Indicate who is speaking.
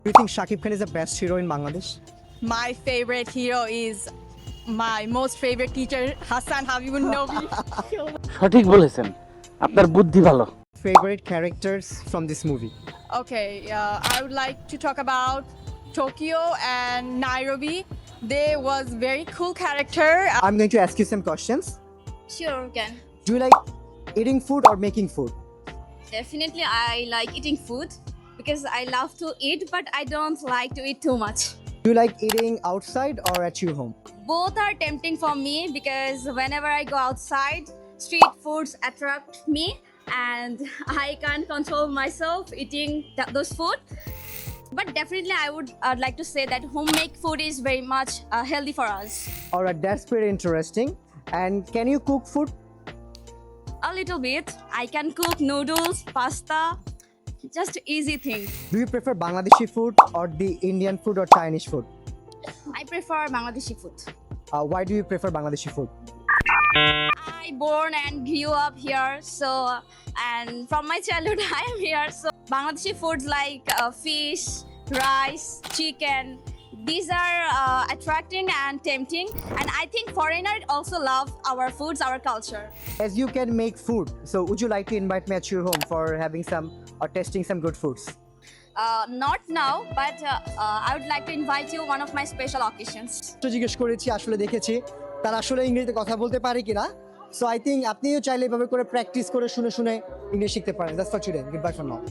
Speaker 1: Do you think Shakib Khan is the best hero in Bangladesh?
Speaker 2: My favorite hero is my most favorite teacher, Hassan Habibun Nobi.
Speaker 3: সঠিক বলেছেন, আপনার বুদ্ধি ভালো।
Speaker 1: Favorite characters from this movie?
Speaker 2: Okay, I would like to talk about Tokyo and Nairobi. They was very cool character.
Speaker 1: I'm going to ask you some questions.
Speaker 4: Sure, can.
Speaker 1: Do you like eating food or making food?
Speaker 4: Definitely, I like eating food because I love to eat, but I don't like to eat too much.
Speaker 1: Do you like eating outside or at your home?
Speaker 4: Both are tempting for me because whenever I go outside, street foods attract me and I can't control myself eating those food. But definitely, I'd like to say that homemade food is very much healthy for us.
Speaker 1: Alright, that's pretty interesting. And can you cook food?
Speaker 4: A little bit. I can cook noodles, pasta, just easy things.
Speaker 1: Do you prefer Bangladeshi food or the Indian food or Chinese food?
Speaker 4: I prefer Bangladeshi food.
Speaker 1: Why do you prefer Bangladeshi food?
Speaker 4: I born and grew up here, so and from my childhood I am here. So Bangladeshi foods like fish, rice, chicken, these are attracting and tempting, and I think foreigners also love our foods, our culture.
Speaker 1: As you can make food, so would you like to invite me at your home for having some or testing some good foods?
Speaker 4: Not now, but I would like to invite you one of my special occasions.
Speaker 1: তো জিজ্ঞেস করেছি, আসলে দেখেছি তারা আসলে ইংরেজিতে কথা বলতে পারে কিনা। সো আই থিঙ্ক আপনিও চাইলে এভাবে করে প্র্যাকটিস করে শুনে শুনে ইংলিশ শিখতে পারেন। That's for today. Good bye for now.